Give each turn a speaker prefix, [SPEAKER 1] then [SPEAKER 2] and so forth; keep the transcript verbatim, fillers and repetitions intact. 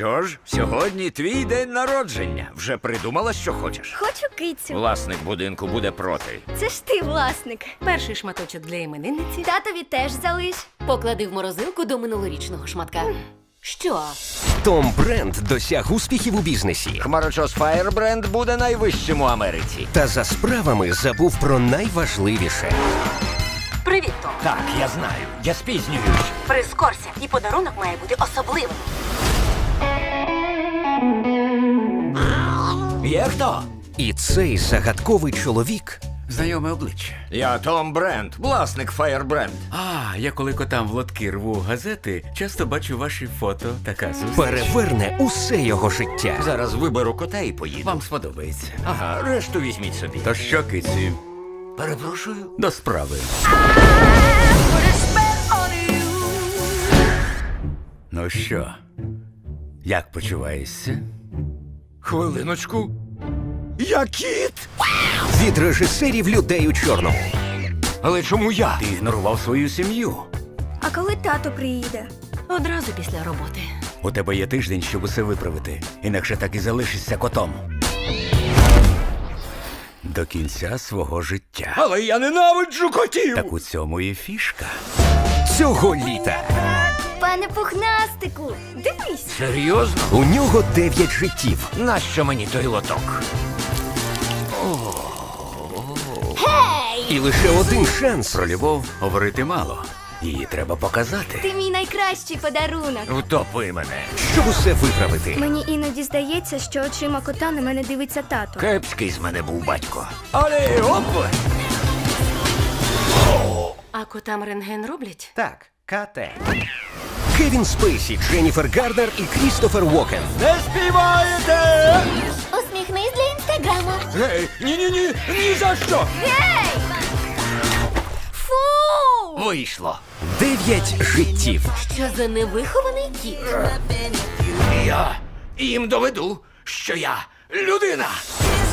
[SPEAKER 1] що ж, сьогодні твій день народження. Вже придумала, що хочеш?
[SPEAKER 2] Хочу кицю.
[SPEAKER 1] Власник будинку буде проти.
[SPEAKER 2] Це ж ти, власник.
[SPEAKER 3] Перший шматочок для іменинниці.
[SPEAKER 2] Татові теж залиш.
[SPEAKER 3] Поклади в морозилку до минулорічного шматка. Що?
[SPEAKER 4] Том Бренд досяг успіхів у бізнесі.
[SPEAKER 1] Хмарочос Firebrand буде найвищим у Америці.
[SPEAKER 4] Та за справами забув про найважливіше.
[SPEAKER 3] Привіт, Том.
[SPEAKER 1] Так, я знаю. Я спізнююсь.
[SPEAKER 3] Прискорся, і подарунок має бути особливим.
[SPEAKER 1] Є хто?
[SPEAKER 4] І цей загадковий чоловік
[SPEAKER 5] Знайоме обличчя.
[SPEAKER 1] Я Том Бренд, власник Firebrand.
[SPEAKER 5] А, я коли котам в лотки рву газети, часто бачу ваші фото. Така зустріч.
[SPEAKER 4] переверне усе його життя.
[SPEAKER 1] Зараз виберу кота і поїду.
[SPEAKER 5] Вам сподобається.
[SPEAKER 1] Ага, решту візьміть собі.
[SPEAKER 5] То що, киці,
[SPEAKER 1] Перепрошую.
[SPEAKER 5] до справи. Ну що, як почуваєшся?
[SPEAKER 1] Хвилиночку. Я кіт!
[SPEAKER 4] Від режисерів людей у чорному.
[SPEAKER 1] Але чому я?
[SPEAKER 5] Ти ігнорував свою сім'ю.
[SPEAKER 2] А коли тато приїде?
[SPEAKER 3] Одразу після роботи.
[SPEAKER 5] У тебе є тиждень, щоб усе виправити. Інакше так і залишишся котом. До кінця свого життя.
[SPEAKER 1] Але я ненавиджу котів!
[SPEAKER 5] Так у цьому і фішка.
[SPEAKER 4] Цього літа
[SPEAKER 2] Пане пухнастику, дивись.
[SPEAKER 1] Серйозно?
[SPEAKER 4] у нього дев'ять життів.
[SPEAKER 1] Нащо мені той лоток?
[SPEAKER 4] І лише один шанс
[SPEAKER 5] Про любов говорити мало. Її треба показати.
[SPEAKER 2] Ти мій найкращий подарунок.
[SPEAKER 1] Втопи мене.
[SPEAKER 4] щоб усе виправити.
[SPEAKER 2] Мені іноді здається, що очима кота на мене дивиться тато.
[SPEAKER 1] Кепський з мене був батько. Але оп!
[SPEAKER 3] А котам рентген роблять?
[SPEAKER 4] Так, кате. Кевін Спейсі, Дженніфер Гарднер і Крістофер Уокен.
[SPEAKER 1] Не співаєте!
[SPEAKER 2] Усміхнись для інстаграму.
[SPEAKER 1] Гей, ні-ні-ні, ні за що!
[SPEAKER 2] Гей! Фу!
[SPEAKER 1] Вийшло.
[SPEAKER 4] Дев'ять життів.
[SPEAKER 3] Що за невихований кіт?
[SPEAKER 1] Я їм доведу, що я людина.